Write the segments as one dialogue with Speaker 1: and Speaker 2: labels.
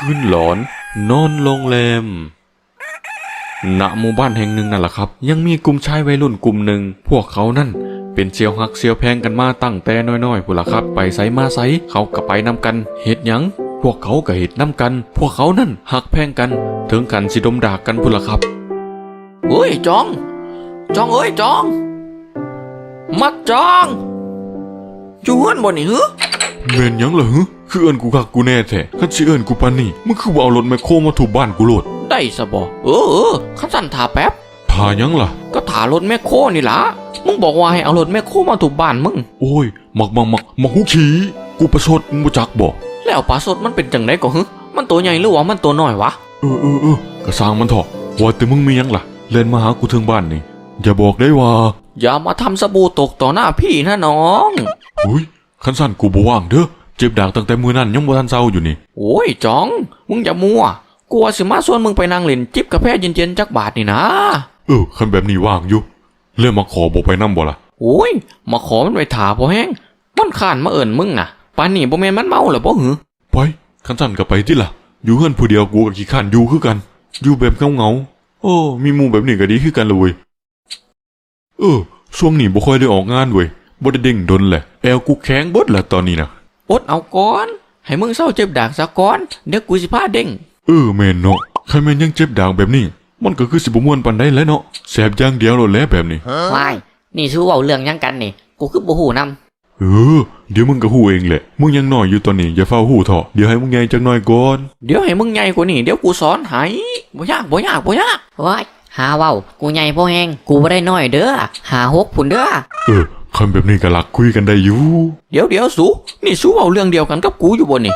Speaker 1: คืนหลอนนอนโรงแรมณหมู่บ้านแห่งหนึ่งนั่นแหละครับยังมีกลุ่มชายวัยรุ่นกลุ่มหนึ่งพวกเขานั่นเป็นเซียวหักเซียวแพงกันมาตั้งแต่น้อยๆพุ่นล่ะครับไปไสมาไสเขาก็ไปนำกันเฮ็ดหยังพวกเขาก็เฮ็ดนำกันพวกเขานั่นหักแพงกันถึงกันสิดมดากกันพุ่นล่ะครับ
Speaker 2: เฮ้ยจองเอ้ยจองมักจองอยู่เฮือนบ่นี่ฮึ
Speaker 1: แม่นหยังล่ะฮึคือเอิ้นกูคักกูแน่แท้คันสิเอิ้นกูปานนี้มึงคือบ่เอารถแมคโครมาถูบ้านกูโลด
Speaker 2: ได้ซะบ่คันสั่นท่าแป๊บ
Speaker 1: ท่าหยังล่ะ
Speaker 2: ก็ท่ารถแมคโครนี่ล่ะมึงบอกว่าให้เอารถแมคโครมาถูบ้านมึง
Speaker 1: โอ้ยมักหูขี้กูประชดมึงบ่จักบ่
Speaker 2: แล้วปลาสดมันเป็นจังได๋ก็ฮึมันตัวใหญ่หรือว่ามันตัวน้อยวะ
Speaker 1: ก็สร้างมันเถอะว่าแต่มึงมีหยังล่ะเล่นมาหากูถึงบ้านนี่อย่าบอกได้ว่า
Speaker 2: อย่ามาทำสบู่ตกต่อหน้าพี่นะน้อง
Speaker 1: อุ้ยคันสั่นกูบ่ว่างเด้อเจ็บดากตั้งแต่มื้อนั้นยังบ่ทันเซาอยู่นี่
Speaker 2: โอ้ยจองมึงอย่ามัวกลัวสิมาชวนมึงไปนั่งเล่นจิบกาแฟเย็นๆจักบาทนี่นะ
Speaker 1: คันแบบนี้ว่างอยู่เรื่องมาขอบ่ไปนำบ่ล่ะ
Speaker 2: โอ้ยมาขอมันไปถาพอแห้งมันข้านมาเอิ้นมึงน่ะปานนี้บ่แม่นมันเมาหรอบ่หือ
Speaker 1: ไปคันสั่นก็ไปติล่ะอยู่เฮือนผู้เดียวกูก็ขี้คร้านอยู่คือกันอยู่แบบเงามีหมู่แบบนี้ก็ดีคือกันเลยเว้ยช่วงนี้บ่ค่อยได้ออกงานเว้ยบ่ได้เด้งดนแหละแอวกูแข็งเบิดละตอนนี้นะ
Speaker 2: อดเอาก่อนให้มึงเศร้าเจ็บดากซะก่อนเดี๋ยวกูสิพาเด้ง
Speaker 1: แม่นเนาะใครแม่นยังเจ็บดากแบบนี้มันก็คือสิบ่ม่วนปานใดแล้วเนาะแสบอย่างเดียวโลดแล้วแบบนี้
Speaker 3: วายนี่สู้เว้าเรื่องหยังกันนี่กูคือบ่ฮู้นำ
Speaker 1: เดี๋ยวมึงก็ฮู้เองแหละมึงยังน้อยอยู่ตอนนี้อย่าเฝ้าฮู้เถาะเดี๋ยวให้มึงใหญ่จักหน่อยก่อน
Speaker 2: เดี๋ยวให้มึงใหญ่กว่านี้เดี๋ยวกูสอนให้บ่ยาก
Speaker 3: ว้ายหาเว้ากูใหญ่พอแฮงกูบ่ได้น้อยเด้อ56พุ่นเด้อ
Speaker 1: คำแบบนี้ก็หลักคุยกันได้อยู่
Speaker 2: เดี๋ยวสูนี่สู้เอาเรื่องเดียวกันกับกูอยู่บ่นี่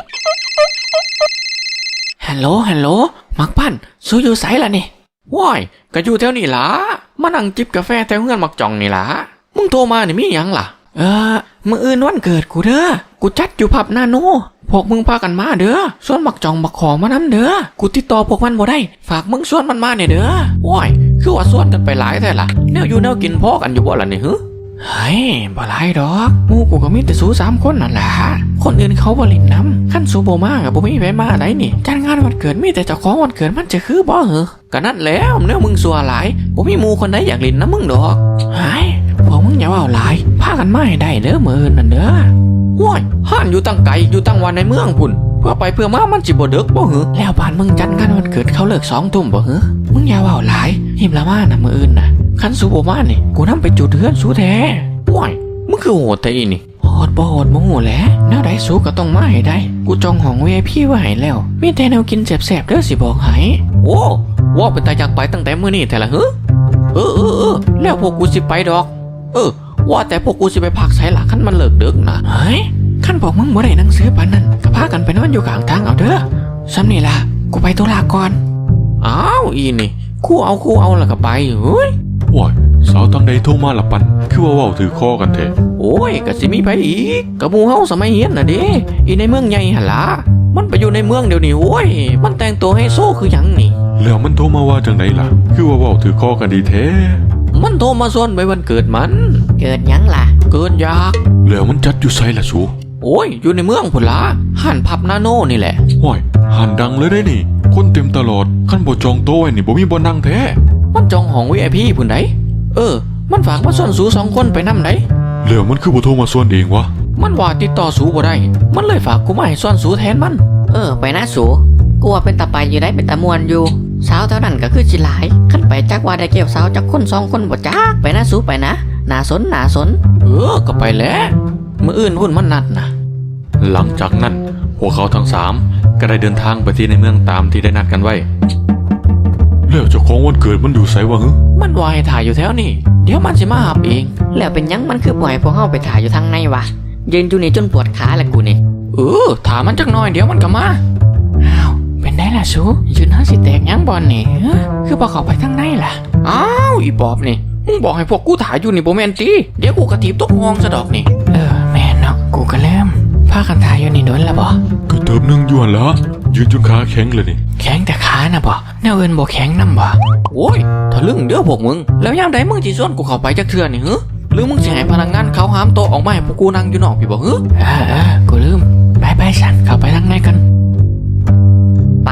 Speaker 2: ฮัลโหลมักปั้นสู้อยู่ไสล่ะนี่ว้ายก็อยู่แถวนี้ล่ะมานั่งจิบกาแฟแถวเฮือนมักจ่องนี่ล่ะมึงโทรมานี่มีหยังล่ะมื้ออื่นวันเกิดกูเด้อกูจัดอยู่ผับนาโนพวกมึงพากันมาเด้อส่วนมักจ่องบักขอมานำเด้อกูติดต่อพวกมันบ่ได้ฝากมึงส่วนมันมาเนี่ยเด้อว้ายคือว่าส่วนกันไปหลายแท้ล่ะแนวอยู่แนวกินพอกันอยู่บ่ล่ะนี่ฮึเฮ้ยบ่หลายดอกหมู่กูก็มีแต่สู้3คนนั่นล่ะคนอื่นเขาบ่เล่นนำคันสู้บ่มาก็บ่มีไผมาได้นี่จัดงานวันเกิดมีแต่เจ้าของวันเกิดมันจะคือบ่เหรอก็นั่นแล้วแนวมึงซัวหลายบ่มีหมู่คนใดอยากเล่นนำมึงดอกเฮ้ยพวกมึงอย่าเว้าหลายพากันมาให้ได้เด้อมื้ออื่นนั่นเด้อโว้ยห้านอยู่ตั้งไกลอยู่ตั้งวันในเมืองพุ่นเพื่อไปเพื่อมามันสิบ่ดึกบ่เหรอแล้วบ้านมึงจัดงานวันเกิดเขาเลิก2 ทุ่มบ่เหรอมึงอย่าเว้าหลายหิมละมาน่ะมื้ออื่นน่ะคันสู้บ่มานี่กูนำไปจุดเฮือนสู้แท้ว้ายมึงคือโหดแต่อีนี่โหดบ่ฮู้แหละแนวใดสู้ก็ต้องมาให้ได้กูจองห้อง VIP ไว้ให้แล้วมีแต่แนวกินแซ่บๆเด้อสิบอกให้โอ้ว่าเป็นตาอยากไปตั้งแต่มื้อนี้แท้ละฮึแล้วพวกกูสิไปดอกว่าแต่พวกกูสิไปพักไสล่ะคันมันเลิกดึกนะเฮ้ยคันบอกมึงบ่ได้หนังสือปานนั้นก็พากันไปนอนอยู่ข้างทางเอาเด้อซ้ำนี่ล่ะกูไปธุระก่อนอ้าวอีนี่คู่เอาแล้วก็ไปเฮ้ย
Speaker 1: ว้ายสาวตั้งใดโทรมาละปันคือว่าเว้าถือคอกันแท้
Speaker 2: โอ้ยก็สิมีไปอีกกะหมู่เฮาสมัยเรียนน่ะเด้อีในเมืองใหญ่หั่นล่ะมันไปอยู่ในเมืองเดี๋ยวนี้โอ้ยมันแต่งตัวให้โซคือหยังนี่
Speaker 1: แล้วมันโทรมาว่าจังไดล่ะคือว่าเว้าถือคอกันดีแท้
Speaker 2: มันโทรมาชวนไปวันเกิดมัน
Speaker 3: เกิดหยังล่ะ
Speaker 2: เกิดยาก
Speaker 1: แล้วมันจัดอยู่ไสล่ะสู
Speaker 2: โอ้ยอยู่ในเมืองพุ่นล่ะห้านผับนาโนนี่แหละ
Speaker 1: ว้ายห้านดังเลยได้นี่คนเต็มตลอดคันบ่จองโต๊ะไว้นี่บ่มีบ่นั่งแท้
Speaker 2: มันจองห้อง VIP พุ่นไดมันฝากมาส่วนสู2 คนไปนำได
Speaker 1: แล้วมันคือบ่โทรมาส่วนเองวะ
Speaker 2: มันว่าติดต่อสูบ่ได้มันเลยฝากกูมาให้ส่วนสูแทนมัน
Speaker 3: ไปนะสูกูว่าเป็นตาไปอยู่ได้เป็นตาม่วนอยู่สาวเท่านั้นก็คือสิหลายคันไปจักว่าได้เกี่ยวสาวจักคน2 คนบ่จักไปนะสูไปนะน่าสน
Speaker 2: ก็ไปแล้วมื้ออื่นพุ่นมันนัดนะ
Speaker 1: หลังจากนั้นพวกเขาทั้ง3ก็ได้เดินทางไปที่ในเมืองตามที่ได้นัดกันไว้แล้วเจ้าของวันเกิดมันอยู่ไสวะฮึ
Speaker 2: มันว่าให้ถ่ายอยู่แถวนี้เดี๋ยวมันสิมาหาเอง
Speaker 3: แล้วเป็นหยังมันคือปล่อยพวกเฮาไปถ่ายอยู่ทางในวะยืนอยู่นี่จนปวดขาแล้วกูนี่
Speaker 2: ถามมันจักหน่อยเดี๋ยวมันก็มาอ้าวเป็นได้ล่ะสูยืนหาสิแตกหยังบ่นี่คือบ่เข้าไปทางในล่ะอ้าวอีปอบนี่มึงบอกให้พวกกูถ่ายอยู่นี่บ่แม่นติเดี๋ยวกูกระถีบตกห้องซะดอกนี่แม่นเนาะกูก็เริ่มพากันถ่ายอยู่นี่โดนแล้วบ่
Speaker 1: ก็เติบนึงอยู่หั่นล่ะยืนจนขาแข็งเลยนี่
Speaker 2: แข็งแต่ขาน่ะบ่แนวอื่นบ่แข็งนำบ่โอ้ยทะลึ่งเด้อพวกมึงแล้วยามใดมึงสิชวนกูเข้าไปจักเทื่อนี่หรือมึงสิให้พนักงานเขาหามโต๊ะออกมาให้พวกกูนั่งอยู่นอกพี่บ่กูลืมไปสั่นเข้าไปทางในกันไป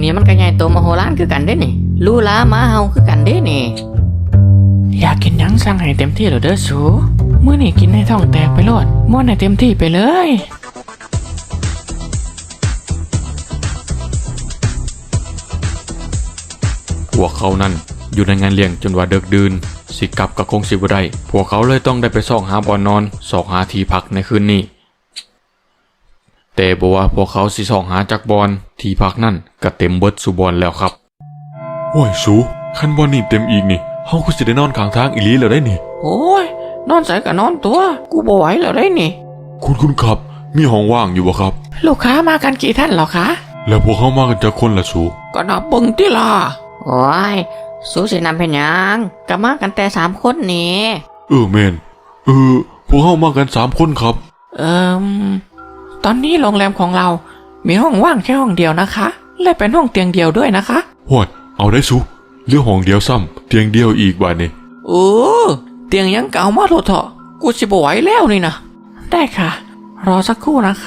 Speaker 3: นี้มันก็ใหญ่โตมโหฬารคือกันเด้นี่ลูลาหมาเฮาคือกันเด้นี่
Speaker 2: อยากกินหยังสั่งให้เต็มที่เลยเด้อสูมื้อนี้กินให้ท้องแตกไปโลดม่วนให้เต็มที่ไปเลย
Speaker 1: พวกเขานั่นอยู่ในงานเลี้ยงจนว่าเดึกดื่นสิกลับกับคงสิบ่ได้พวกเขาเลยต้องได้ไปซอกหาบ่อนนอนซอกหาที่พักในคืนนี้แต่บ่ว่าพวกเขาสิซอกหาจากบ่อนที่พักนั่นก็เต็มเบิดสุบ่อนแล้วครับโอ้ยสูคันบ่อนนี่เต็มอีกนี่เฮาก็สิได้นอนข้างทางอีหลีแล้วได้นี่
Speaker 2: โอ้ยนอนใส่ก็นอนตัวกูบ่ไหวแล้วได้นี่
Speaker 1: คุณครับมีห้องว่างอยู่บ่ครับ
Speaker 2: ลูกค้ามากันกี่ท่านเหรอคะ
Speaker 1: แล้วพวกเขามากันจักคนล่ะสู
Speaker 2: ก็นับเบิ่งติล่ะ
Speaker 3: โอ้ยสู้สินำเป็นหยังก็มากันแต่3 คนนี่
Speaker 1: แม่นพวกเขามากัน3 คนครับ
Speaker 2: ตอนนี้โรงแรมของเรา มีห้องว่างแค่ห้องเดียวนะคะ และเป็นห้องเตียงเดียวด้วยนะคะ
Speaker 1: ฮอดเอาได้สูเหลือห้องเดียวซ้ำเตียงเดียวอีกบัดนี้
Speaker 2: เตียงยังเก่ามาโลดเถอะกูสิบ่ไหวแล้วนี่นะได้ค่ะ รอสักครู่นะคะ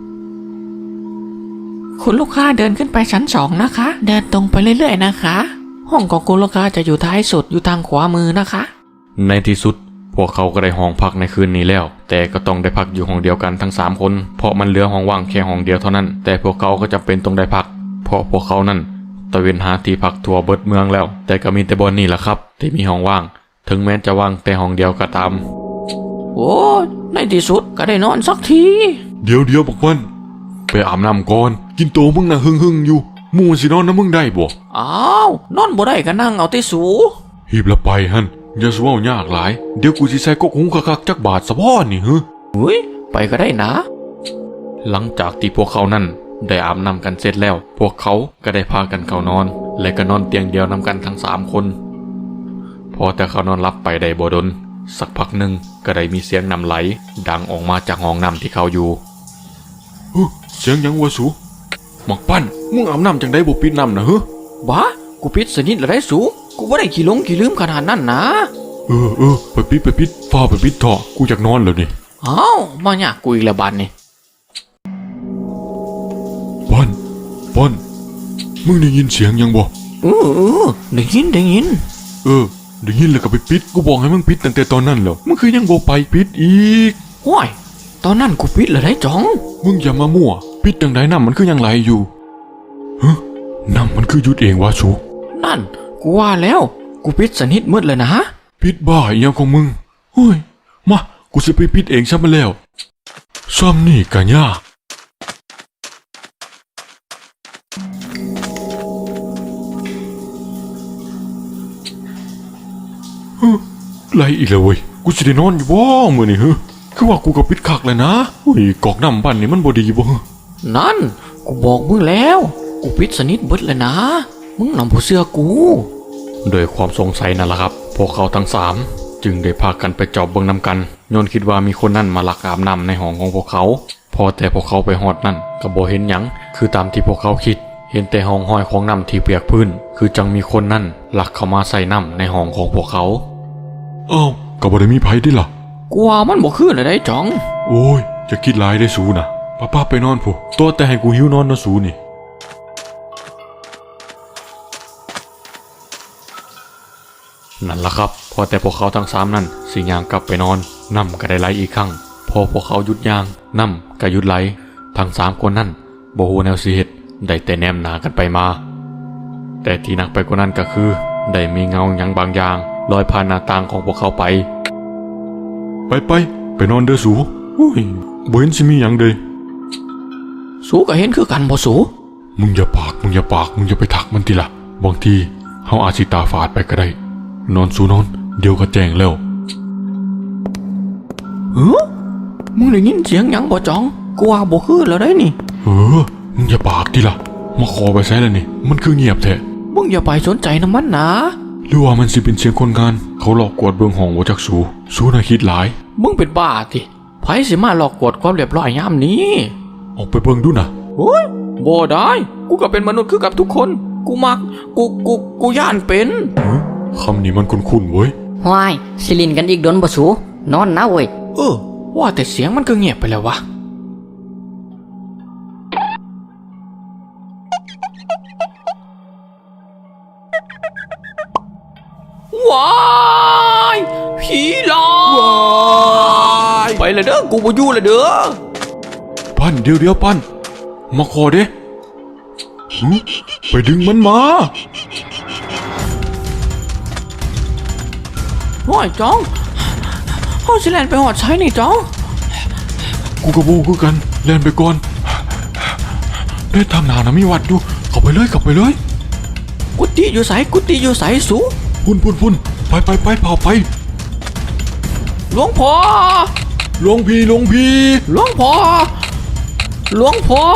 Speaker 2: คุณลูกค้าเดินขึ้นไปชั้น2นะคะ เดินตรงไปเรื่อยๆนะคะ ห้องของคุณลูกค้าจะอยู่ท้ายสุดอยู่ทางขวามือนะคะ
Speaker 1: ในที่สุดพวกเขาก็ได้ห้องพักในคืนนี้แล้ว แต่ก็ต้องได้พักอยู่ห้องเดียวกันทั้ง3 คนเพราะมันเหลือห้องว่างแค่ห้องเดียวเท่านั้นแต่พวกเขาก็จำเป็นต้องได้พักเพราะพวกเขานั่นตะเวนหาที่พักทั่วเบิดเมืองแล้วแต่ก็มีแต่บ่อนนี่แหละครับที่มีห้องว่างถึงแม้จะว่างแต่ห้องเดียวก็ตาม
Speaker 2: โอ้ในที่สุดก็ได้นอนสักที
Speaker 1: เดี๋ยวบักมันไปอาบน้ำก่อนกินโตมึงน่ะหึ่งอยู่หมู่สินอนนะมึงได้บ่
Speaker 2: อ้าวนอนบ่ได้ก็นั่งเอาที่สู
Speaker 1: หีบละไปหั่นอย่าสิเว้ายากหลายเดี๋ยวกูสิใส่กกหุงคักๆจักบาทซะพ่อนี่ฮึ
Speaker 2: อุ้ยไปก็ได้นะ
Speaker 1: หลังจากที่พวกเขานั่นได้อาบน้ำกันเสร็จแล้ว พวกเขาก็ได้พากันเข้านอน และก็นอนเตียงเดียวนำกันทั้ง3 คนพอแต่เขานอนหลับไปได้บ่ดนสักพักหนึ่งก็ได้มีเสียงน้ำไหลดังออกมาจากห้องน้ำที่เขาอยู่เสียงยังวะสูหมักปั้นมึงอาบน้ำจังได้บ่ปิดน้ำนะเฮ้
Speaker 2: บ้ากูปิดสนิทแล้วได้สูกูบ่ได้ขี้หลงขี้ลืมขนาดนั้นนะ
Speaker 1: ไปปิดฟ้าไปปิดเถอะกูอยากนอนแล้วนี่
Speaker 2: อ้าวมายากกูอีกแล้วบานนี่
Speaker 1: ปั้นมึงได้ยินเสียงยังบ่
Speaker 2: ได้ยินได้ยิน
Speaker 1: ได้ยินแล้วก็ไปปิดกูบอกให้มึงปิดตั้งแต่ตอนนั้นแล้วมึงคือยังบ่ไปปิดอีก
Speaker 2: ว้ายตอนนั้นกูปิดแล้วได้จ๋อง
Speaker 1: มึงอย่ามามั่วปิดจังไดน้ำมันคือยังไหลอยู่น้ำมันคือหยุดเองวะสู
Speaker 2: นั่นกูว่าแล้วกูปิดสนิทหมดเลยนะ
Speaker 1: ปิดบ้าอีหยังของมึงเฮ้ยมากูสิไปปิดเองซะมาแล้วซ้ำนี่กะยากไหลอีกแล้วเว้ยกูสิได้นอนอยู่บ่มื้อนี้คือว่ากูก็ปิดคักแล้วนะเฮ้ยกอกน้ำบ้านนี่มันบ่ดีบ่
Speaker 2: นั่นกูบอกมึงแล้วกูปิดสนิทหมดเลยนะมึงนำผู้เสื้อกู
Speaker 1: โดยความสงสัยนั่นแหละครับพวกเขาทั้ง3จึงได้พากันไปจอบเบิ่งนำกันโยนคิดว่ามีคนนั่นมาลักอาบน้ำในห้องของพวกเขาพอแต่พวกเขาไปฮอดนั่นก็บ่เห็นหยังคือตามที่พวกเขาคิดเห็นแต่ห้องห้อยของน้ำที่เปียกพื้นคือจังมีคนนั่นลักเข้ามาใส่น้ำในห้องของพวกเขาอ้าวก็บ่ได้มีไผดิล่ะ
Speaker 2: กูว่ามันบ่คืนเลยได้จ๋อง
Speaker 1: โอ้ยจะคิดหลายได้สูนะป้าไปนอนผู้ตัวแต่ให้กูหิวนอนนะสูนี่นั่นล่ะครับพอแต่พวกเขาทั้ง3นั่นสิย่างกลับไปนอนน้ำก็ได้ไหลอีกครั้งพอพวกเขาหยุดย่างน้ำก็หยุดไหลทั้ง3 คนนั่นบ่ฮู้แนวสิเฮ็ดได้แต่แนมหน้ากันไปมาแต่ที่หนักไปกว่านั้นก็คือได้มีเงาหยังบางอย่างลอยผ่านหน้าต่างของพวกเขาไปนอนเด้อสูอุ้ยบ่เห็นสิมีหยังเด้
Speaker 2: สูก็เห็นคือกันบ่สู
Speaker 1: มึงอย่าปากมึงอย่าไปทักมันทีละบางทีเฮาอาจสิตาฝาดไปก็ได้นอนสูนอนเดี๋ยวก็แจ้งแล้ว
Speaker 2: มึงได้ยินเสียงหยังบ่จ๋องกูว่าบ่คืนแล้วได้นี่
Speaker 1: มึงอย่าปากทีละมาขอไปใช้แล้วนี่มันคือเงียบแท้
Speaker 2: มึงอย่าไปสนใจน้ำมันนะ
Speaker 1: หรือว่ามันสิเป็นเสียงคนงานเขาหลอกกวดเบิ่งห้องบ่จักสูน่ะคิดหลาย
Speaker 2: มึงเป็นบ้าติไผสิมาหลอกกวดความเรียบร้อยยามนี้
Speaker 1: ออกไปเบิ่งดูนะ
Speaker 2: โอ้ยบ่ได้กูก็เป็นมนุษย์คือกับทุกคนกูมักกูย่านเป็น
Speaker 1: คำนี้มันคุ้นๆเว้ย
Speaker 3: ห้วยสิลินกันอีกโดนบ่สูนอนนะเว้ย
Speaker 2: ว่าแต่เสียงมันก็เงียบไปแล้ววะผีหลอกไปเลยเด้อกูบ่อยู่เลยเด้อ
Speaker 1: ปั้นเดี๋ยวปั้นมาขอเด้หึไปดึงมันมา
Speaker 2: โอ้ยจ้องเฮาสิแล่นไปหอดใช้นี่จ้อง
Speaker 1: กูกับบูคือกันแล่นไปก่อนเล่นทางหนานะมีวัดอยู่เข้าไปเลย
Speaker 2: กุฏิอยู่ไสสู
Speaker 1: พุ่นไปเผาไป
Speaker 2: หลวงพ่อ
Speaker 1: หลวงพี่
Speaker 2: หลวงพ่อ
Speaker 1: หลวง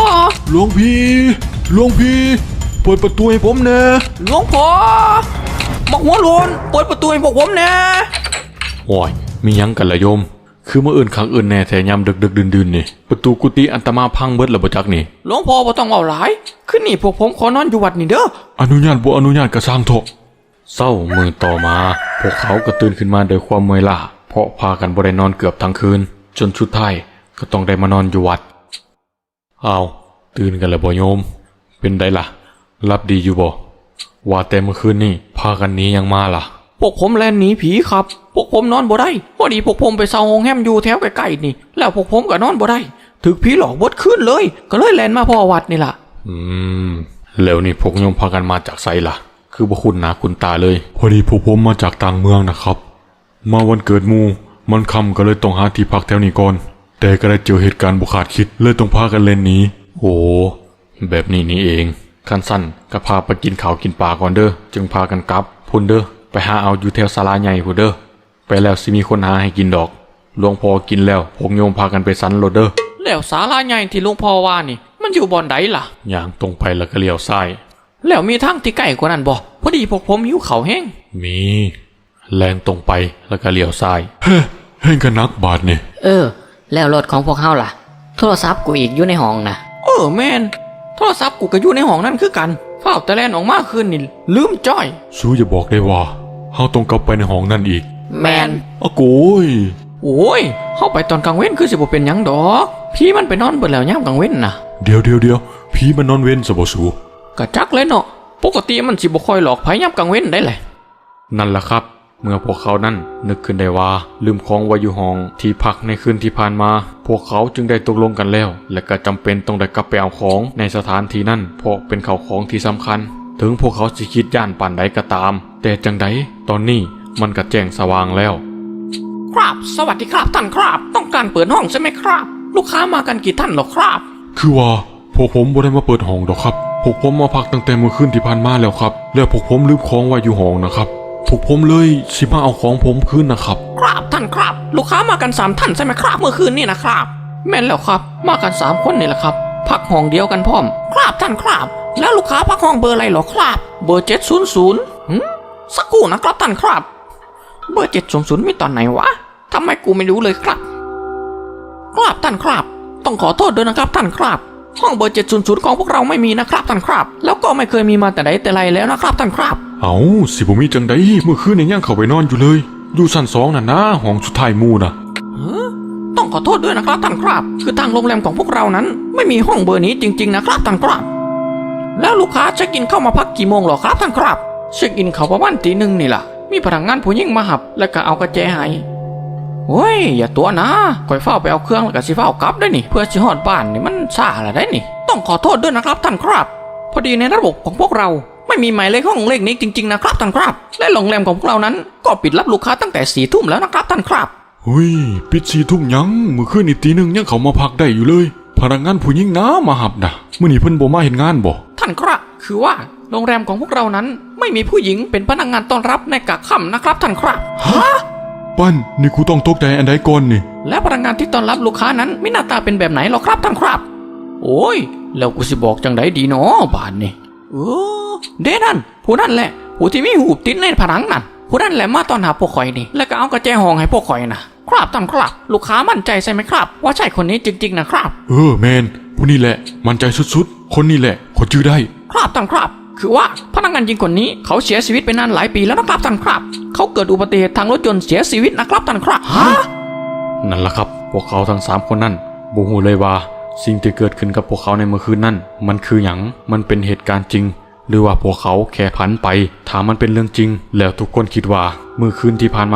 Speaker 1: พี่เปิดประตูให้ผมแน่
Speaker 2: หลวงพ่อมักหัวโลนเปิดประตูให้พวกผมแน่
Speaker 1: โอ้ยมีหยังกันละโยม คือเมื่ออื่นครั้งอื่นแน่แถยามดึกดื่นนี่ประตูกุฏิอันตมาพังเบิดแล้วบ่จักนี่
Speaker 2: หลวงพ่อบ่ต้องเอาหลายขึ้นนี่พวกผมขอนอนอยู่วัดนี่เด้อ
Speaker 1: อนุญาตบ่อนุญาตก็สร้างเถอะเศร้ามือต่อมาพวกเขาก็ตื่นขึ้นมาโดยความเมื่อยล้าเพราะพากันบ่ได้นอนเกือบทั้งคืนจนสุดท้ายก็ต้องได้มานอนอยู่วัดอ้าวตื่นกันแล้วบ่โยมเป็นไดล่ะรับดีอยู่บ่ว่าแต่เมื่อคืนนี่พากันหนียังมาล่ะ
Speaker 2: พวกผมแล่นหนีผีครับ พวกผมนอนบ่ได้พอดีพวกผมไปเซาโรงแรมอยู่แถวใกล้ๆนี่แล้วพวกผมก็นอนบ่ได้ถึกผีหลอกบดขึ้นเลยก็เลยแล่นมาพ่อวัดนี่ล่ะ
Speaker 1: แล้วนี่พวกโยมพากันมาจากไสล่ะคือบ่คุ้นหน้าคุ้นตาเลยพอดีพวกผมมาจากต่างเมืองนะครับมาวันเกิดหมู่มันค่ำก็เลยต้องหาที่พักแถวนี้ก่อนแต่ก็ได้เจอเหตุการณ์บ่คาดคิดเลยต้องพากันเล่นหนีโอ้แบบนี้นี่เองคันสั้นก็พาไปกินข้าวกินปลาก่อนเด้อจึงพากันกลับพุ่นเด้อไปหาเอาอยู่แถวศาลาใหญ่พุ่นเด้อไปแล้วสิมีคนหาให้กินดอกหลวงพ่อกินแล้วพวกโยมพากันไปสันโลดเด้อ
Speaker 2: แล้วศาลาใหญ่ที่หลวงพ่อว่านี่มันอยู่บ่อนใดล่ะ
Speaker 1: ย่างตรงไปแล้วก็เลี้ยวซ้าย
Speaker 2: แล้วมีทางที่ใกล้กว่านั้นบ่พอดีพวกผมหิวข้าวแห้ง
Speaker 1: มีแลนตรงไปแล้วก็เลี้ยวซ้ายเฮ้ยกันนักบาทนี่
Speaker 3: แล้วรถของพวกเฮาล่ะ โทรศัพท์กูอีกอยู่ในห้องนะ
Speaker 2: แม่นโทรศัพท์กูก็อยู่ในห้องนั่นคือกันฝ้าวแต่แล่นออกมาคืนนี่ลืมจ้อย
Speaker 1: สู้อย่าบอกได้ว่าเฮาต้องกลับไปในห้องนั่นอีก
Speaker 3: แมน
Speaker 1: อะโกย
Speaker 2: โอ้ยเข้าไปตอนกลางเว้นคือสิบ่เป็นหยังดอกพี่มันไปนอนเบิดแล้วยามกลางเว้นน่ะ
Speaker 1: เดี๋ยวผีมันนอนเว้นซะบ่สู
Speaker 2: กะจักเลยเนาะปกติมันสิบ่ค่อยหลอกไผยามกลางเว้นได้แหละ
Speaker 1: นั่นล่ะครับ เมื่อพวกเขานั้นนึกขึ้นได้ว่าลืมของไว้อยู่ห้องที่พักในคืนที่ผ่านมาพวกเขาจึงได้ตกลงกันแล้วและก็จำเป็นต้องได้กลับไปเอาของในสถานที่นั้นเพราะเป็นข่าวของที่สำคัญถึงพวกเขาสิคิดย่านปานใดก็ตามแต่จังใดตอนนี้มันก็แจ้งสว่างแล้ว
Speaker 2: ครับสวัสดีครับท่านครับต้องการเปิดห้องใช่ไหมครับ ลูกค้ามากันกี่ท่านหรอครับ
Speaker 1: คือว่าพวกผมบ่ได้มาเปิดห้องดอกครับพวกผมมาพักตั้งแต่เมื่อคืนที่ผ่านมาแล้วครับแล้วพวกผมลืมของไว้อยู่ห้องนะครับพวกผมเลยสิมาเอาของผมคืนนะครับ
Speaker 2: ครับท่านครับลูกค้ามากัน3ท่านใช่ไหมครับเมื่อคืนนี่นะครับแม่นแล้วครับมากัน3คนนี่แหละครับพักห้องเดียวกันพร้อมครับท่านครับแล้วลูกค้าพักห้องเบอร์อะไรหรอครับเบอร์700สักครู่นะครับท่านครับเบอร์700มีตอนไหนวะทำไมกูไม่รู้เลยครับครับท่านครับต้องขอโทษด้วยนะครับท่านครับห้องเบอร์700ของพวกเราไม่มีนะครับท่านครับแล้วก็ไม่เคยมีมาแต่ใดแต่ไรแล้วนะครับท่านครับ
Speaker 1: เอาสิบ่มีจังไดเมื่อคืนยังเข้าไปนอนอยู่เลยอยู่ชั้น2น่ะนะห้องสุดท้ายหมู่น่ะ
Speaker 2: ต้องขอโทษด้วยนะครับท่านครับคือทางโรงแรมของพวกเรานั้นไม่มีห้องเบอร์นี้จริงๆนะครับท่านครับแล้วลูกค้าเช็คอินเข้ามาพักกี่โมงหรอครับท่านครับเช็คอินเขาประมาณตี 1นี่ล่ะมีพนักงานผู้หญิงมาหับแล้วก็เอากระแจให้โอ้ยอย่าตัวนะคอยเฝ้าไปเอาเครื่องแล้วก็สิเฝ้ากลับได้นี่เพื่อสิฮอดบ้านนี่มันซ่าละได้นี่ต้องขอโทษด้วยนะครับท่านครับพอดีในระบบของพวกเราไม่มีหมายเลขห้องเลขนี้จริงๆนะครับท่านครับและโรงแรมของพวกเรานั้นก็ปิดรับลูกค้าตั้งแต่4 ทุ่มแล้วนะครับท่านครับ
Speaker 1: เฮ้ยปิด4 ทุ่มยังเมื่อคืนนี่ตี 1ยังเขามาพักได้อยู่เลยพนักงานผู้หญิงนะมาหับนะมื้อนี้เพิ่นบ่มาเฮ็ดงานบ่
Speaker 2: ท่านครับคือว่าโรงแรมของพวกเรานั้นไม่มีผู้หญิงเป็นพนักงานต้อนรับในกะค่ำนะครับท่านครับฮะ
Speaker 1: ปั้นนี่กูต้องตกใจอันใดก่อนนี่
Speaker 2: และพนักงานที่ต้อนรับลูกค้านั้นไม่หน้าตาเป็นแบบไหนหรอครับท่านครับโอ้ยแล้วกูสิบอกจังไดดีเนาะบ้านนี่เด้นั่นผู้นั่นแหละผู้ที่มีหูติดในผนังนั่นผู้นั่นแหละมาต้อนหาพวกข่อยนี่แล้วก็เอากระแจห้องให้พวกข่อยนะครับท่านครับลูกค้ามั่นใจใช่ไหมครับว่าใช่คนนี้จริงๆนะครับ
Speaker 1: แมนผู้นี่แหละมั่นใจสุดๆคนนี้แหละคนชื่อได้
Speaker 2: ครับท่านครับคือว่าพนักงานหญิงคนนี้เขาเสียชีวิตไปนานหลายปีแล้วนะครับท่านครับเขาเกิดอุบัติเหตุทางรถยนต์เสียชีวิตนะครับท่านครับฮะ
Speaker 1: นั่นล่ะครับพวกเขาทั้ง3คนนั้นบ่ฮู้เลยว่าสิ่งที่เกิดขึ้นกับพวกเขาในเมื่อคืนนั้นมันคือหยังมันเป็นเหตุการณ์จริงหรือว่าพวกเขาแค่พันไปถ้ามันเป็นเรื่องจริงแล้วทุกคนคิดว่าเมื่อคืนที่ผ่านมานั้น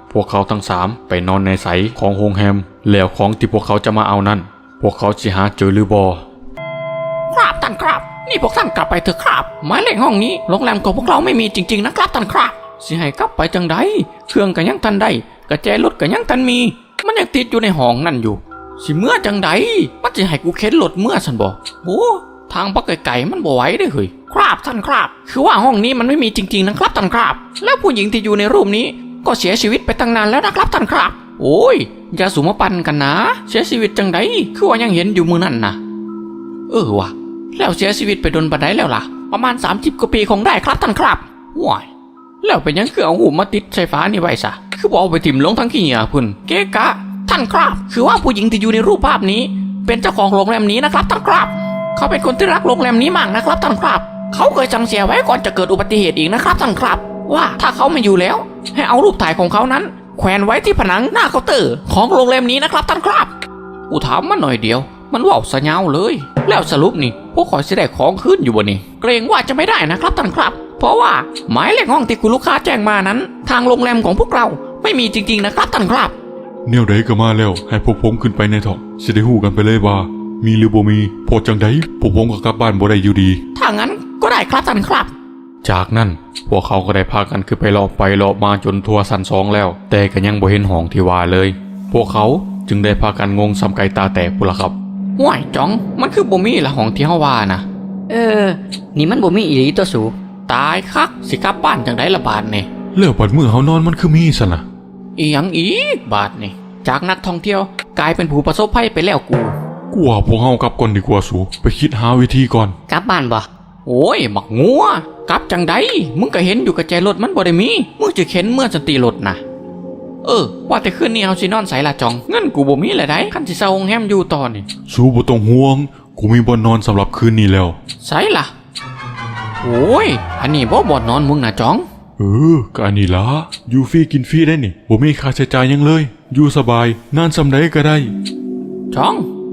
Speaker 1: พวกเขาทั้งสามไปนอนในไสของโรงแรมแล้วของที่พวกเขาจะมาเอานั้น พวกเขาสิหาเจอหรือบ่
Speaker 2: ครับท่านครับ นี่พวกท่านกลับไปเถอะครับหมายเลขห้องนี้โรงแรมของพวกเราไม่มีจริงๆนะครับท่านครับสิให้กลับไปจังใดเครื่องก็ยังทันได้กระแจรถก็ยังทันมี มันยังติดอยู่ในห้องนั่นอยู่สิเมื่อจังใดมันจะให้กูเข็นรถเมื่อสันบอกโอ้ทางปักไก่ๆมันบ่ไหวได้อเฮ้ยครับท่านครับคือว่าห้องนี้มันไม่มีจริงๆนะครับท่านครับแล้วผู้หญิงที่อยู่ในรูปนี้ก็เสียชีวิตไปตั้งนานแล้วนะครับท่านครับโอ้ยอย่าสุมาปันกันนะเสียชีวิตจังใดคือว่ายังเห็นอยู่มือนั่นนะว่ะแล้วเสียชีวิตไปโดนบันไดแล้วล่ะประมาณ30 กว่าปีคงได้ครับท่านครับว้ายแล้วเป็นยังคือเอาหูมาติดไฟฟ้านี่ไว้ซะคือบอกเอาไปถิ่มลงทั้งขี้เหงื่อพุ่นเก๊กะท่านครับคือว่าผู้หญิงที่อยู่ในรูปภาพนี้เป็นเจ้าของโรงแรมนี้นะครับท่านครับเขาเป็นคนที่รักโรงแรมนี้มากนะครับท่านครับเขาเคยสั่งเสียไว้ก่อนจะเกิดอุบัติเหตุอีกนะครับท่านครับว่าถ้าเขาไม่อยู่แล้วให้เอารูปถ่ายของเขานั้นแขวนไว้ที่ผนังหน้าเคาน์เตอร์ของโรงแรมนี้นะครับท่านครับกูถามมันหน่อยเดียวมันว่าวสะยาวเลยแล้วสรุปนี่พวกขอยสิได้ของขึ้นอยู่บ่นี่เกรงว่าจะไม่ได้นะครับท่านครับเพราะว่าหมายเลขห้องที่คุณลูกค้าแจ้งมานั้นทางโรงแรมของพวกเราไม่มีจริงๆนะครับท่านครับ
Speaker 1: แนวใดก็มาแล้วให้พวกผมขึ้นไปในเถาะสิได้ฮู้กันไปเลยว่ามีหรือบ่มีพอจังใดพวกผมก็กลับบ้านบ่ได้อยู่ดี
Speaker 2: ถ้างั้นก็ได้ครับท่านครับ
Speaker 1: จากนั้นพวกเขาก็ได้พากันขึ้นไปรอบมาจนทั่วชั้น2แล้วแต่ก็ยังบ่เห็นห้องที่ว่าเลยพวกเขาจึงได้พากันงงสำไก่ตาแตกพุ่นล่ะครับ
Speaker 2: ห่วยจ๋องมันคือบ่มีละห้องที่เฮาว่านะ
Speaker 3: นี่มันบ่มีอีหลีตัวสู
Speaker 2: ตายคักสิกลับบ้านจังไดละบาดนี่
Speaker 1: แล้วบัดมื้อเฮานอนมันคือมีซั่นน่ะ
Speaker 2: อีหยังอีกบาดนี่จากนักท่องเที่ยวกลายเป็นผู้ประสบภัยไปแล้วกู
Speaker 1: กูว่าพวกเฮากลับก่อนดีกว่าสูไปคิดหาวิธีก่อน
Speaker 3: กลับบ้านบ่
Speaker 2: โอ้ยบักงัวกลับจังไดมึงก็เห็นอยู่กับใจรถมันบ่ได้มีมึงจะเข็นเมื่อสติรถนะว่าแต่คืนนี้เฮาสินอนไสล่ะจองเงินกูบ่มีเลยได้คันสิเซาโรงแรมอยู่ต่อนี่
Speaker 1: สูบ่ต้องห่วงกูมีบ่อนนอนสำหรับคืนนี้แล้ว
Speaker 2: ไสล่ะโอ้ยอันนี้บ่นอนมึงนะจอง
Speaker 1: ก็อันนี้ล่ะอยู่ฟรีกินฟรีได้นี่บ่มีค่าใช้จ่ายหยังเลยอยู่สบายนานส่ำใดก็ได้
Speaker 2: จอง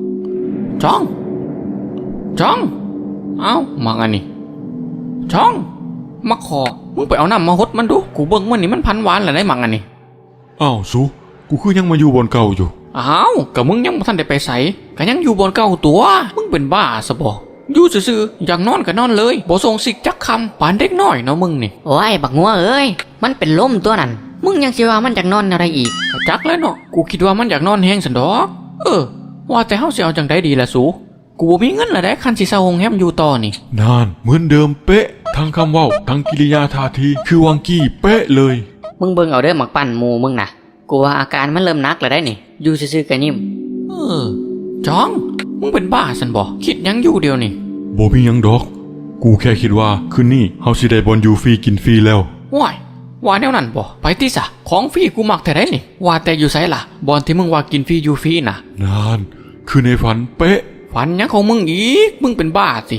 Speaker 2: เอ้ามังอันนี้จองมาขอมึงไปเอาน้ำมาหดมันดูกูเบิ่งมันนี่มันพันหวานแล้วได้มังอันนี้
Speaker 1: อ้าวสูกูคือยังมาอยู่บนเก่าอยู่
Speaker 2: อ้าวก็มึงยังบ่ทันได้ไปไสก็ยังอยู่บนเก่าตัวมึงเป็นบ้าซะบ่อยู่ซื่อๆอยากนอนก็นอนเลยบ่ส่งสิกจักคำปานเด็กน้อยเนาะมึงนี่
Speaker 3: โอ้ยบักงัวเอ้ยมันเป็นลมตัวนั้นมึงยังสิว่ามันจากนอนอะไรอีก
Speaker 2: ก็จักแล้วเนาะกูคิดว่ามันอยากนอนแห้งสันดอกว่าแต่เฮาสิเอาจังไดดีล่ะสูกูบ่มีเงินละได้คันสิเซาโรงแรมอยู่ต่อนี่
Speaker 1: นานเหมือนเดิมเป๊ะทั้งคำเว้าทั้งกิริยาท่าทีคือวังกี้เป๊ะเลย
Speaker 3: มึงเบิ่งเอาเด้อหมักปั่นหมูมึงน่ะกูว่าอาการมันเริ่มหนักแล้วได้นี่อยู่ซื่อๆก็ยิ้ม
Speaker 2: จองมึงเป็นบ้าสันบ่คิดหยังอยู่เดียวนี่
Speaker 1: บ่มีหยังดอกกูแค่คิดว่าคืนนี้เฮาสิได้บอลอยู่ฟรีกินฟรีแล้ว
Speaker 2: ว้ายว่าแนวนั้นบ่ไปติซะของฟรีกูมักแท้ได้นี่ว่าแต่อยู่ไสล่ะบอนที่มึงว่ากินฟรีอยู่ฟรีน่ะ
Speaker 1: นานคือในฝันเป๊ะ
Speaker 2: ฝันหยังของมึงอีกมึงเป็นบ้าสิ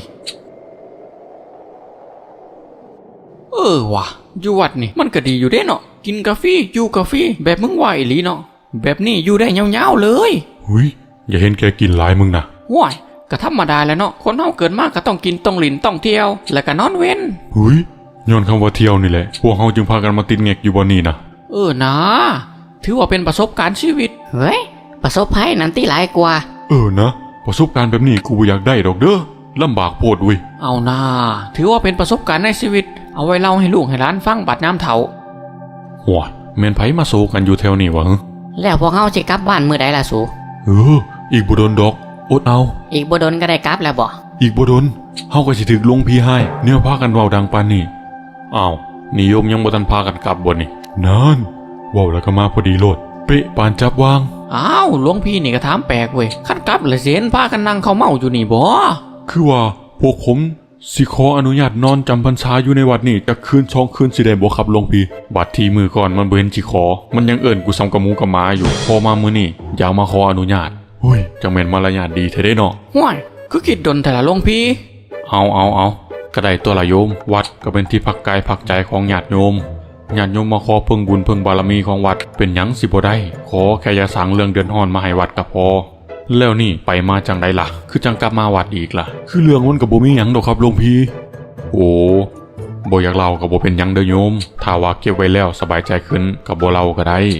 Speaker 2: ว่ะอยู่วัดนี่มันก็ดีอยู่เด้เนาะกินกาแฟอยู่กาแฟแบบมึงว่าอีหลีเนาะแบบนี้อยู่ได้ยาวๆเลย
Speaker 1: หุยอย่าเห็นแกกินหลายมึงนะ
Speaker 2: ว้ายก็ธรรมดาแหล้วเนาะคนเฮาเกิดมาก็ต้องกินต้องหลินต้องเที่ยวแล้วก็นอนเว้น
Speaker 1: หุยย้อนคำว่าเที่ยวนี่แหละพวกเฮาจึงพากันมาติดแงกอยู่บ่นี่นะ
Speaker 2: นะถือว่าเป็นประสบการณ์ชีวิต
Speaker 3: เฮ้ยประสบภัยนั้นที่หลายกว่า
Speaker 1: นะประสบการณ์แบบนี้กูบ่อยากได้ดอกเด้อลำบากโพดเว้ย
Speaker 2: เอานาถือว่าเป็นประสบการณ์ในชีวิตเอาไว้เล่าให้ลูกให้หลานฟังบัดน้ำเฒ่า
Speaker 1: หัวแม่นไผมาโซกันอยู่แถวนี้วะฮะ
Speaker 3: แล้วพวกเฮาสิกลับบ้านมื้อใดล่ะสู
Speaker 1: อีกบ่โดนดอกอดเอา
Speaker 3: อีกบ่ดนก็ได้กลับแล้วบ่
Speaker 1: อีกบ่โดนเฮาก็สิถึกลงพี่ให้แนวพากันเว้าดังปานนี้อ้าวนิยมยังบ่ทันพากันกลับบ่นี่นั่นเว้าแล้วก็มาพอดีโลดเป๊ะปานจับวาง
Speaker 2: อ้าวหลวงพี่นี่ก็ถามแปลกเว้ยคันกลับเลยเสียนพากันนั่งเขาเมาอยู่นี่บ่
Speaker 1: คือว่าพวกผมสิขออนุญาตนอนจำพรรษาอยู่ในวัดนี่จักคืน2คืนสิได้บ่ครับหลวงพี่บัดทีมือก่อนมันบ่เห็นสิขอมันยังเอิ้นกูซ้ำกับหมูกับหมาอยู่พอมามื้อนี้อยากมาขออนุญาตเฮ้ยจังแม่นมารยาทดีแท้เด้เนาะ
Speaker 2: ห่วยคือคิดดนแต่ละหลวงพี่
Speaker 1: เอาก็ได้ตัวละโยมวัดก็เป็นที่พักกายพักใจของญาติโยมมาขอเพิ่งบุญเพิ่งบารมีของวัดเป็นหยังสิบ่ได้ขอแค่อย่าสั่งเรื่องเดือนฮ้อนมาให้วัดก็พอแล้วนี่ไปมาจังไดล่ะคือจังกลับมาวัดอีกล่ะคือเรื่องมันก็บ่มีหยังดอกครับหลวงพี่โอ้บ่อยากเล่าก็บ่เป็นหยังเด้อโยมถ้าว่าเก็บไว้แล้วสบายใจขึ้นก็บ่เล่าก็ได้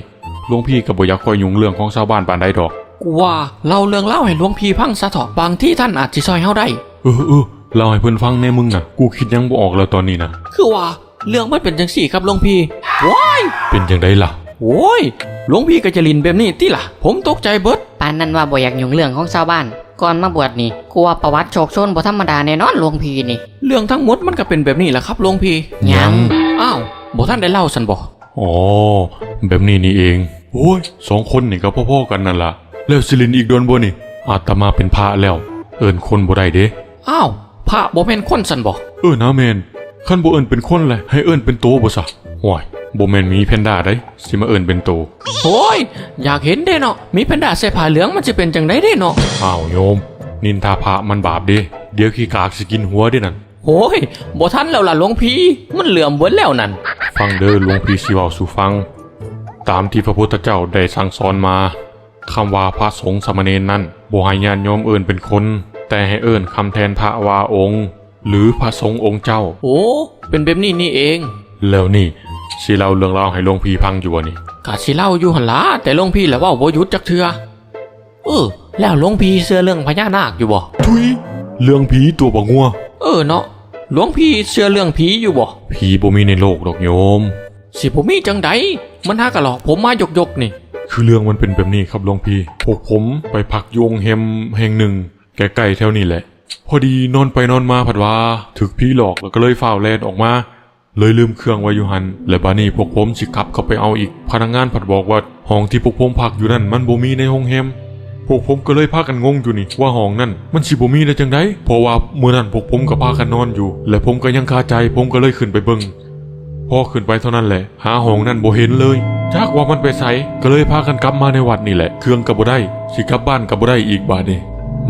Speaker 1: หลวงพี่ก็บ่อยากคอยยุ่งเรื่องของชาวบ้านปานใดดอก
Speaker 2: กูว่าเล่าเรื่องเล่าให้หลวงพี่พังซะเถอะบางที่ท่านอาจจะซอยเฮาได้
Speaker 1: เล่าให้เพิ่นฟังแน่มึงน่ะกูคิดยังบ่ออกแล้วตอนนี้นะ
Speaker 2: คือว่าเรื่องมันเป็นจังสี่ครับหลวงพี่ว้าย
Speaker 1: เป็นจังไดล่ะ
Speaker 2: โอ้ยหลวงพี่ก็จะลินแบบนี้ติล่ะผมตกใจเบิด
Speaker 3: ปานนั้นว่าบ่อยากยุ่งเรื่องของชาวบ้าน ก่อนมาบวชนี่กูว่าประวัติโชคโชนบ่ธรรมดาแน่นอนหลวงพี่นี่
Speaker 2: เรื่องทั้งหมดมันก็เป็นแบบนี้แหละครับหลวงพี่
Speaker 3: ยัง
Speaker 2: อ้าวบ่ท่านได้เล่าสันบ่
Speaker 1: อ๋อแบบนี้นี่เองโอ้ย2คนนี่ก็พ่อๆกันนั่นล่ะแล้วสิลินอีกโดนบ่นี่อาตมาเป็นพระแล้วเอิ้นคนบ่ได้เด้
Speaker 2: อ้าวพระบ่แม่นคนสันบ่
Speaker 1: นะแม่นคันบ่เอิ้นเป็นคนเลยให้เอิ้นเป็นโตบ่ซะว้ายบ่แม่นหมีแพนด้าได้สิมาเอิ้นเป็นโต
Speaker 2: โอ้ยอยากเห็นเด้เนาะมีแพนด้าใส่ผ้าเหลืองมันจะเป็นจังไดเด้เนาะ
Speaker 1: อ้าวโยมนินทาพระมันบาปเด้เดี๋ยวขี้กากสิกินหัวเด้นั่น
Speaker 2: โอ้ยบ่ทันแล้วล่ะหลวงพี่มันเหลื่อมเบิดแล้วนั่น
Speaker 1: ฟังเด้อหลวงพี่สิเว้าสู่ฟัง ตามที่พระพุทธเจ้าได้สั่งสอนมาคำว่าพระสงฆ์สามเณรนั้นบ่ให้ญาติโยมเอิ้นเป็นคน แต่ให้เอิ้นคำแทนพระว่าองค์ หรือพระสงฆ์องค์เจ้า
Speaker 2: โอ้เป็นแบบนี้นี่เอง
Speaker 1: แล้วนี่สิเล่าเรื่องราวให้หลวงพี่ฟังอยู่บ่นี่
Speaker 2: กะสิเล่าอยู่หั่นล่ะแต่หลวงพี่แหละว่าบ่หยุดจักเทื่อแล้วหลวงพี่เชื่อเรื่องพญานาคอยู่บ่
Speaker 1: ทุยเรื่องผีตัวบ่งัว
Speaker 2: เนาะหลวงพี่เชื่อเรื่องผีอยู่บ่
Speaker 1: ผีบ่มีในโลกดอกโยม
Speaker 2: สิบ่มีจังใดมันหากะหลอกผมมายกนี่
Speaker 1: คือเรื่องมันเป็นแบบนี้ครับหลวงพี่พวกผมไปพักโยงแฮมแห่งหนึ่งใกล้ๆแถวนี้แหละ พอดีนอนไปนอนมาผัดว่าถึกผีหลอกแล้วก็เลยฝ่าวแลนออกมาเลยลืมเครื่องไว้อยู่หันและบานี้พวกผมสิขับเข้าไปเอาอีกพนักงานผัดบอกว่าห้องที่พวกผมพักอยู่นั่นมันบ่มีในห้องแฮมพวกผมก็เลยพากันงงอยู่นี่ว่าห้องนั่นมันสิบ่มีได้จังไดเพราะว่ามื้อนั้นพวกผมก็พากันนอนอยู่และผมก็ยังคาใจผมก็เลยขึ้นไปเบิ่งพอขึ้นไปเท่านั้นแหละหาห้องนั่นบ่เห็นเลยจักว่ามันไปไสก็เลยพากันกลับมาในวัดนี่แหละเครื่องก็บ่ได้สิกลับบ้านก็บ่ได้อีกบาดนี้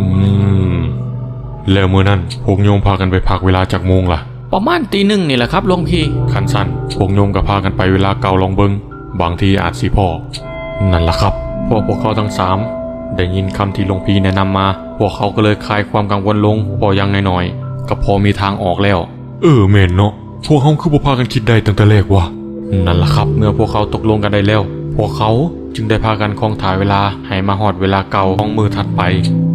Speaker 1: แล้วมื้อนั้นพวกโยมพากันไปพักเวลาจักโมงล่ะ
Speaker 2: ประมาณตี 1นี่แหละครับหลวงพี่
Speaker 1: คันสั้นพวกโยมก็พากันไปเวลาเก่าลองเบิงบางทีอาจสิพ่อนั่นล่ะครับพวกเขาทั้งสามได้ยินคำที่หลวงพี่แนะนำมาพวกเขาก็เลยคลายความกังวลลงพอยังน้อยๆก็พอมีทางออกแล้วแม่นเนาะพวกเขาคือบ่พากันคิดได้ตั้งแต่แรกวะนั่นล่ะครับเมื่อพวกเขาตกลงกันได้แล้วพวกเขาจึงได้พากันคองถ่ายเวลาให้มาฮอดเวลาเก่าของมือถัดไป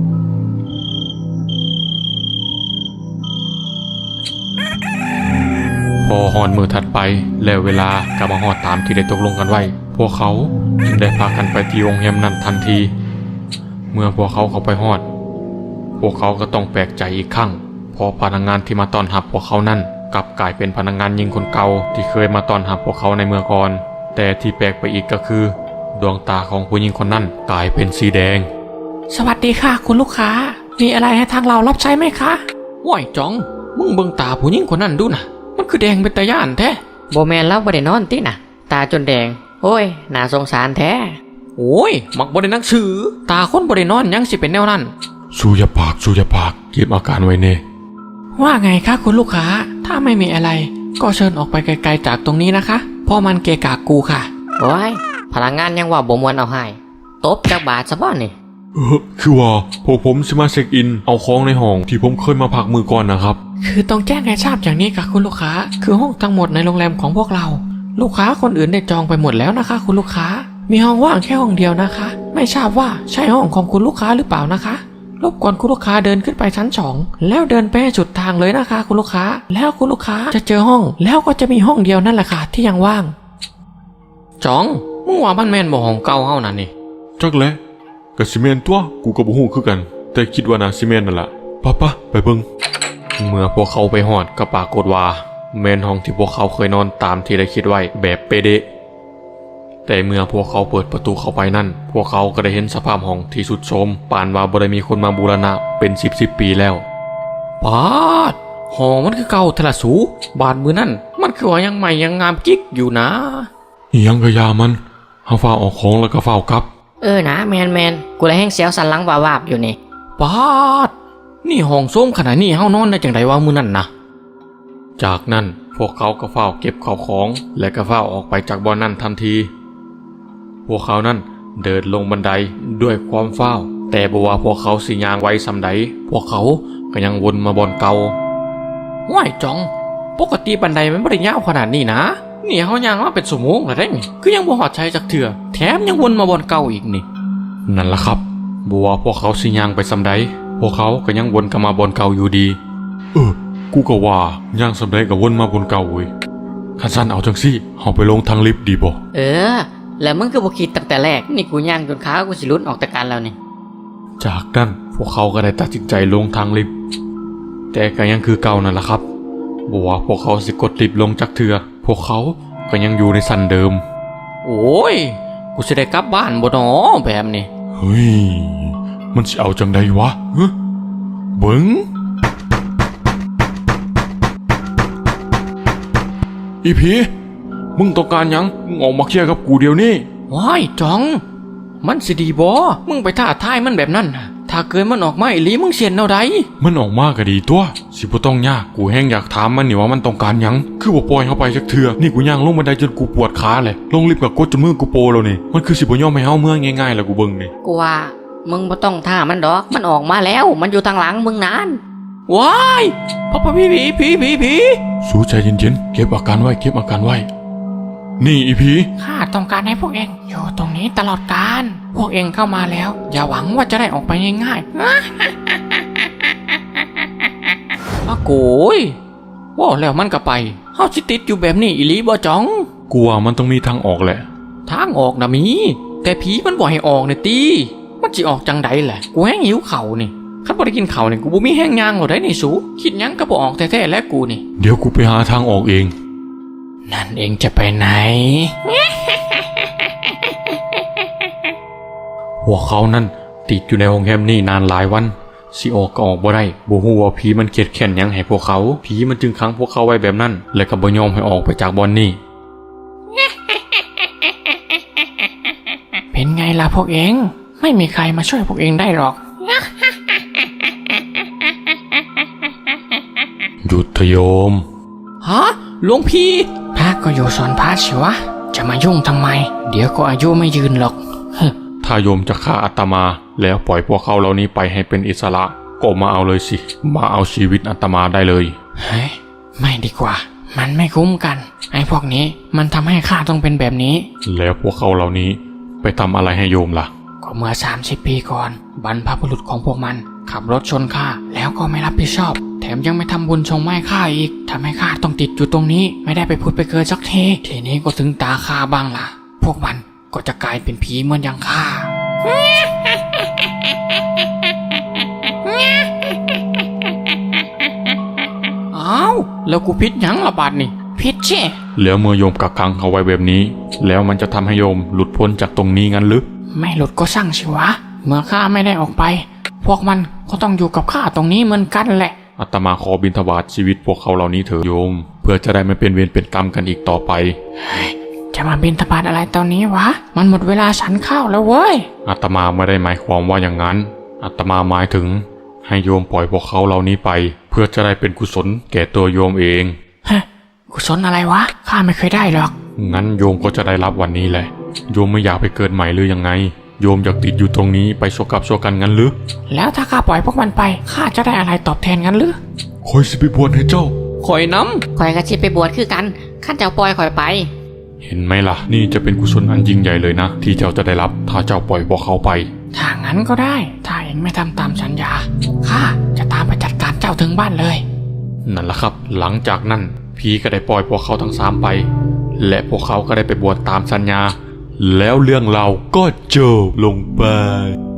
Speaker 1: พอฮอดมือถัดไปแล้วเวลาก็มาฮอดตามที่ได้ตกลงกันไว้พวกเขาจึงได้พากันไปที่โรงแรมนั้นทันทีเมื่อพวกเขาเข้าไปฮอดพวกเขาก็ต้องแปลกใจอีกครั้งเพราะพนักงานที่มาต้อนรับพวกเขานั้นกลับกลายเป็นพนักงานหญิงคนเก่าที่เคยมาต้อนรับพวกเขาในเมื่อก่อนแต่ที่แปลกไปอีกก็คือดวงตาของผู้หญิงคนนั้นกลายเป็นสีแดง
Speaker 2: สวัสดีค่ะคุณลูกค้ามีอะไรให้ทางเรารับใช้ไหมคะว้ายจ้องมึงเบิ่งตาผู้หญิงคนนั้นดูนะมันคือแดงเป็นตาย่านแท้
Speaker 3: บ่แม่นแล้วบ่ได้นอนติน่ะ ตาจนแดงโอ้ยน่าสงสารแท้
Speaker 2: โอ้ยมักบ่ได้หนังสือตาคนบ่ได้นอนยังสิเป็นแนวนั้น
Speaker 1: สู้อย่าปากเก็บอาการไว้เน่
Speaker 2: ว่าไงคะคุณลูกค้าถ้าไม่มีอะไรก็เชิญออกไปไกลๆจากตรงนี้นะคะเพราะมันเกะกะกูค่ะ
Speaker 3: โอ้ยพลังงานยังว่าบ่มวนเอาให้ตบจักบาทซะบ่นี่
Speaker 1: คือว่าพวกผมจะมาเช็คอินเอาของในห้องที่ผมเคยมาพักมือก่อนนะครับ
Speaker 2: คือต้องแจ้งให้ทราบอย่างนี้ค่ะคุณลูกค้าคือห้องทั้งหมดในโรงแรมของพวกเรา ลูกค้าคนอื่นได้จองไปหมดแล้วนะคะคุณลูกค้ามีห้องว่างแค่ห้องเดียวนะคะ ไม่ทราบว่าใช่ห้องของคุณลูกค้าหรือเปล่านะคะรบกวนคุณลูกค้าเดินขึ้นไปชั้น2แล้วเดินไปให้สุดทางเลยนะคะคุณลูกค้าแล้วคุณลูกค้าจะเจอห้องแล้วก็จะมีห้องเดียวนั่นแหละค่ะที่ยังว่างจ๋องมึงว่าบ้านแม่นบ่ห้องเก่าเฮานั่นนี่
Speaker 1: จักแหละก็สิแม่นตัวกูก็บ่ฮู้คือกัน แต่คิดว่าน่าสิแม่นนั่นล่ะปะไปเบิ่งเมื่อพวกเขาไปฮอดก็ปรากฏว่าแม่นห้องที่พวกเขาเคยนอนตามที่ได้คิดไว้แบบเป๊ะเดะแต่เมื่อพวกเขาเปิดประตูเข้าไปนั่นพวกเขาก็ได้เห็นสภาพห้องที่สุดโทรมปานว่าบ่ได้มีคนมาบูรณะเป็น10ปีแล้วปาดห้องมันคือเก่าทะละสูบาดมือนั่นมันคือว่ายังใหม่ยังงามกิ๊กอยู่นะอิหยังก็ยามันเฮาฟ้าออกของแล้วก็ฟ้าวกลับ
Speaker 3: นะแมนกูเลยแห้งเสียวสันหลังวาบๆอยู่นี่
Speaker 2: ปาดนี่ห้องส้มขนาดนี้เฮานอนได้จังไดวะมื้อนั่นนะจากนั้นพวกเขาก็ฟ้าวเก็บข้าวของและก็ฟ้าวออกไปจากบ่อนนั้นทันทีพวกเขานั้นเดินลงบันไดด้วยความฟ้าวแต่บ่ว่าพวกเขาสิย่างไว้ซำใดพวกเขาก็ยังวนมาบ่อนเก่าว้ายจ่องปกติบันไดมันบ่ได้ยาวขนาดนี้นะนี่เขายังว่าเป็นสมงแล้วได้นี่คือยังบ่หอดใจจากเถื่อแถมยังวนมาบนเก่าอีกนี่
Speaker 1: นั่นล่ะครับบัวาพวกเขาสิย่างไปสำใดพวกเขาก็ยังวนกลับมาบนเก่าอยู่ดีกูก็ว่าย่างสำใดก็วนมาบนเก่าเว้ยคันสั้นเอาจังซี่เฮาไปลงทางลิฟต์ดีบ่
Speaker 3: แล้วมึงก็บ่คิดตั้งแต่แรกนี่กูย่างจนขากูสิหลุดออกจากกันแล้วนี่
Speaker 1: จากนั้นพวกเขาก็ได้ตัดสินใจลงทางลิฟต์แต่ก็ยังคือเก่านั่นล่ะครับบัวาพวกเขาสิกดลิฟต์ลงจากเถื่อพวกเขาก็ยังอยู่ในสันเดิม
Speaker 2: โอ้ยกูสิได้กลับบ้านบ่หนอแบบนี้
Speaker 1: เฮ้ยมันสิเอาจังใดวะเบิ่งอีผีมึงต้องการหยังมึงออกมาเคลียร์กับกูเดี๋ยวนี้
Speaker 2: ว้ายจ้อง มันสิดีบ่มึงไปท้าทายมันแบบนั้นน่ะถ้าเกิดมันออกมาอีหลีมึงเสียนเอาใด
Speaker 1: มันออกมาก็ดีตัวสิบ่ต้องยากกูแห้งอยากถามมันนี่ว่ามันต้องการหยังคือบ่ปล่อยเข้าไปจักเทื่อนี่กูย่างลงบันไดจนกูปวดขาเลยลงลิฟต์กับกดจนมือกูโปแล้วนี่มันคือสิบ่ยอมให้เฮาเมื่อง่ายๆแล้วกูเบิ่งนี่
Speaker 3: กูว่ามึงบ่ต้องท่ามันดอกมันออกมาแล้วมันอยู่ทางหลังมึงนาน
Speaker 2: ว้ายพ่อผี
Speaker 1: สู้ใจเย็นๆเก็บอาการไว้เก็บอาการไว้นี่อีผี
Speaker 2: ข้าต้องการให้พวกเองอยู่ตรงนี้ตลอดกาลพวกเองเข้ามาแล้วอย่าหวังว่าจะได้ออกไปง่ายๆอะโกยว่าแล้วมันก็ไปเฮาสิติดอยู่แบบนี้อีหลีบ่จ้อง
Speaker 1: กูว่ามันต้องมีทางออกแหละ
Speaker 2: ทางออกนะมี แต่ผีมันบ่ให้ออกเนี่ยตีมันสิออกจังใดแหละกูแห้งหิวเข่าวนี่คันบ่ได้กินข้าวนี่กูบ่มีแห้งยางหรอกได้นี่สูคิดหยังก็บ่ออกแท้ๆแล้วกูนี่
Speaker 1: เดี๋ยวกูไปหาทางออกเอง
Speaker 2: นั่นเองจะไปไหน
Speaker 1: หัวเขานั่นติดอยู่ในโรงแรมนี่นานหลายวันสิออกก็ออกบ่ได้บ่ฮู้ว่าผีมันเกลียดแค้นหยังให้พวกเขาผีมันจึงขังพวกเขาไว้แบบนั้นและก็บ่ยอมให้ออกไปจากบ่อนนี่
Speaker 2: เป็นไงล่ะพวกเองไม่มีใครมาช่วยพวกเองได้หรอก
Speaker 1: หยุดเถอะโยม
Speaker 2: ฮะหลวงพี่พระก็อยู่สอนพระสิวะจะมายุ่งทำไม เดี๋ยวก็อายุไม่ยืนหรอก
Speaker 1: ถ้าโยมจะฆ่าอาตมาแล้วปล่อยพวกเขาเหล่านี้ไปให้เป็นอิสระก็มาเอาเลยสิมาเอาชีวิตอาตมาได้เลย
Speaker 2: เฮ้ยไม่ดีกว่า มันไม่คุ้มกันไอ้พวกนี้มันทำให้ข้าต้องเป็นแบบนี้
Speaker 1: แล้วพวกเขาเหล่านี้ไปทำอะไรให้โยมล่ะ
Speaker 2: ก็เมื่อ30 ปีก่อนบรรพบุรุษของพวกมันขับรถชนข้าแล้วก็ไม่รับผิดชอบ แถมยังไม่ทำบุญชงไม้ข้าอีกทำให้ข้าต้องติดอยู่ตรงนี้ไม่ได้ไปพูดไปเกิดสักทีนี้ก็ถึงตาข้าบ้างล่ะ พวกมันก็จะกลายเป็นผีเหมือนอย่างข้า อ้าวแล้วกูพิษหยังละบาดนี่พิษเช่
Speaker 1: แล้วเมื่อโยมกักขังเขาไว้แบบนี้ แล้วมันจะทำให้โยมหลุดพ้นจากตรงนี้งั้นหรือ
Speaker 2: ไม่หลุดก็ช่างสิวะเมื่อข้าไม่ได้ออกไป พวกมันก็ต้องอยู่กับข้าตรงนี้เหมือนกันแหละ
Speaker 1: อาตมาขอบิณฑบาตชีวิตพวกเขาเหล่านี้เถอะโยม เพื่อจะได้ไม่เป็นเวรเป็นกรรมกันอีกต่อไป
Speaker 2: จะมาบิณฑบาตอะไรตอนนี้วะมันหมดเวลาฉันข้าวแล้วเว้ย
Speaker 1: อาตมาไม่ได้หมายความว่าอย่างนั้นอาตมาหมายถึงให้โยมปล่อยพวกเขาเหล่านี้ไป เพื่อจะได้เป็นกุศลแก่ตัวโยมเอง
Speaker 2: ฮะกุศลอะไรวะข้าไม่เคยได้หรอก
Speaker 1: งั้นโยมก็จะได้รับวันนี้แหละโยมไม่อยากไปเกิดใหม่หรือยังไงโยมอยากติดอยู่ตรงนี้ไปโชกับโชกันงั้นหรือ
Speaker 2: แล้วถ้าข้าปล่อยพวกมันไปข้าจะได้อะไรตอบแทนกันหรือ
Speaker 1: คอยสิไปบวชให้เจ้า
Speaker 2: คอยน้
Speaker 3: ข่อยก็สิไปบวชคือกันข้าเจ้าปล่อยข่อยไป
Speaker 1: เห็นไหมล่ะนี่จะเป็นกุศลอันยิ่งใหญ่เลยนะที่เจ้าจะได้รับถ้าเจ้าปล่อยพวกเขาไป
Speaker 2: ำถ้างั้นก็ได้ ถ้าเองไม่ทำตามสัญญาข้าจะตามไปจัดการเจ้าถึงบ้านเลย
Speaker 1: นั่นแหละครับหลังจากนั้นผีก็ได้ปล่อยพวกเขาทั้ง3ไป และพวกเขาก็ได้ไปบวชตามสัญญา แล้วเรื่องเราก็จบลงไป